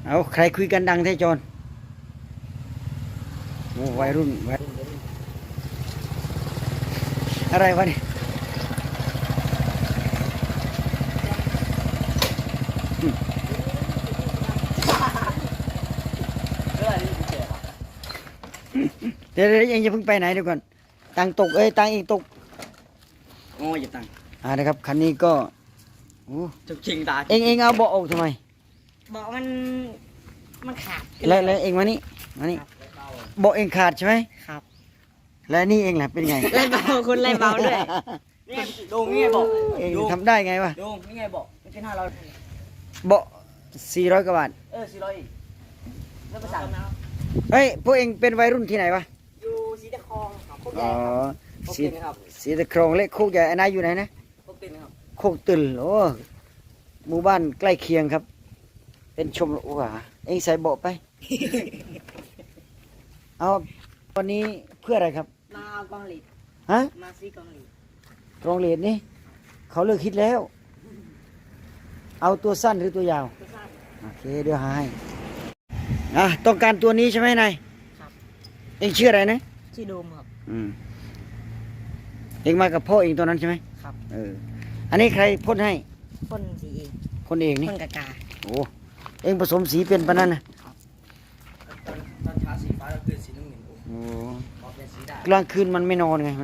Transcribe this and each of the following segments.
เอาใครคุยกันดังแท้จอนโอ้วัยรุ่นอะไรวะเนี่ยเดี๋ยวเองจะเพิ่งไปไหนเดี๋ยวก่อนตังตกตังเองตกโอ้ยอย่าตังนะครับคันนี้ก็จุกชิงตาเองเอาเบาะออกทำไมเบาะมันขาดแล้วเองมานี่เบาะเองขาดใช่ไหมครับและนี่เองล่ะเป็นไงไล่เบาคุณไล่เบาด้วยนี่ดูนี่ไงบอกเองทำได้ไงวะดูนี่ไงบอกไม่ใช่500 เบาะ400 กว่าบาท 400อีกแล้วภาษาเฮ้ยพวกเองเป็นวัยรุ่นที่ไหนวะอยู่สีตะคองครับโคกใหอ๋ญ่อครับสีตะครองเล็กโคกใหญ่นายอยู่ไหนนะโคกตินครับโคกตึลโอ้หมู่บ้านใกล้เคียงครับเป็นชมว่าเองใส่เบาะไป เอาวันนี้เพื่ออะไรครับมาเอากองหลีดฮะมาซื้อกองหลีดกองเหรียญนี่เขาเลิกคิดแล้วเอาตัวสั้นหรือตัวยาวโอเคเดี๋ยวหาให้ต้องการตัวนี้ใช่ไหมนายครับเองชื่ออะไรนะชื่อโดมครับเองมากับพ่อเองตัวนั้นใช่ไหมครับอันนี้ใครพ่นให้พ่นสีเองคนเองนี่พ่นกากาโอ้เองผสมสีเป็นปะนั่นนะตอนเช้าสีฟ้าแล้วตื่นสีน้ำเงินโอ้ออกเป็นสีดำกลางคืนมันไม่นอนไงมัน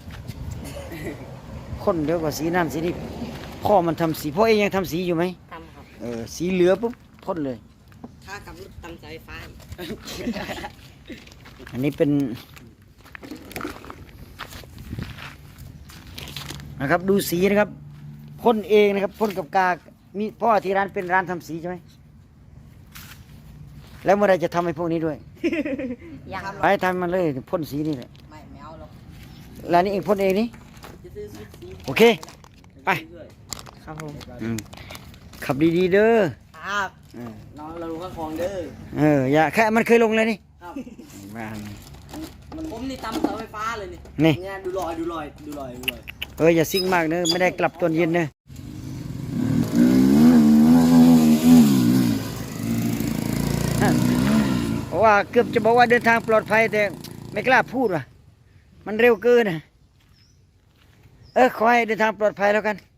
ข้นเดี๋ยวกว่าสีนั่นสีนี้พ่อมันทำสีพ่อเองยังทำสีอยู่ไหมทำครับสีเหลือปุ๊บพ่นเลยถ้ากับรถตำใจไฟอันนี้เป็นนะครับดูสีนะครับพ่นเองนะครับพ่นกับกามีพ่อที่ร้านเป็นร้านทำสีใช่ไหมแล้วเมื่อไรจะทำให้พวกนี้ด้วยยังไปทำมันเลยพ่นสีนี่แหละไม่เอาหรอกแล้วนี่เองพ่นเองนี่โอเคไปครับผมขับดีๆเด้อครับน้องเราลงข้างคลองเด้ออย่าแค่มันเคยลงเลยนี่ครับบ้านผมนี่ตำเสาไฟฟ้าเลยนี่เนี่ยดูรอยอย่าซิ่งมากเนอะไม่ได้กลับตอนเย็นเนอะเพราะว่าเกือบจะบอกว่าเดินทางปลอดภัยแต่ไม่กล้าพูดว่ะมันเร็วเกินนะขอให้เดินทางปลอดภัยแล้วกัน